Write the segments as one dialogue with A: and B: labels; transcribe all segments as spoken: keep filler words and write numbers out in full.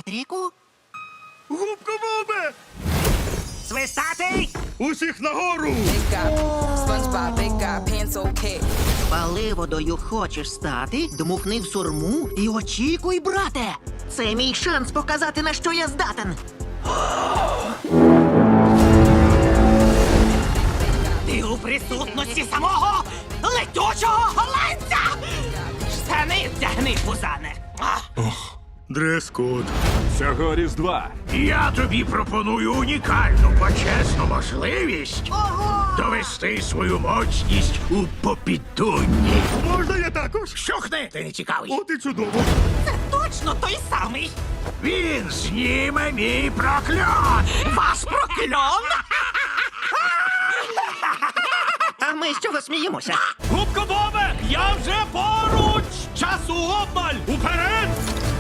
A: Патріку?
B: Губка Бобе!
A: Свистатий!
B: Усіх нагору!
C: Big guy, SpongeBob, big guy, pencil cat.
A: Паливодою хочеш стати? Дмухни в сурму і очікуй, брате! Це мій шанс показати, на що я здатен. Ти у присутності самого летючого голландця! Штани вдягни, пузане!
B: Дрес-код.
D: Цього Різдва
E: Я тобі пропоную унікальну почесну можливість
A: Ого!
E: довести свою моцність у попідунні.
B: Можна я також?
E: Щухни, ти не цікавий.
B: От і чудово.
A: Це точно той самий!
E: Він зніме мій прокльон.
A: Вас прокльон! А ми з чого сміємося?
B: Губка Бобе! Я вже поруч! Часу обмаль! Уперед!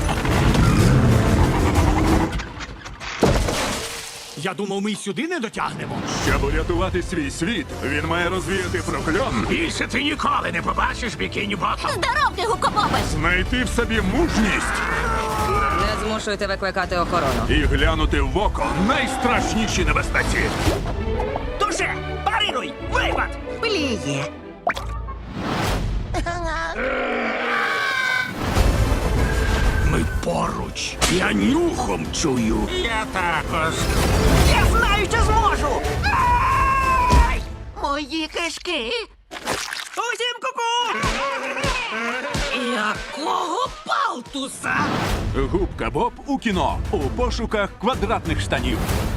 B: Я думав, ми й сюди не дотягнемо.
D: Щоб урятувати свій світ, він має розвіяти прокльон,
E: Більше ти ніколи не побачиш бікіні ботом.
F: Здоровки, гукобоби!
D: знайти в собі мужність
C: Не змушуйте викликати охорону.
D: і глянути в око найстрашніші небезпеці.
A: Туше! Парируй! Випад! Пліє!
E: Ми поруч. Я нюхом чую. Я також.
A: Я знаю, що зможу! Ай! Мої кишки! Усім ку-ку! Якого палтуса?
D: Губка Боб у кіно у пошуках квадратних штанів.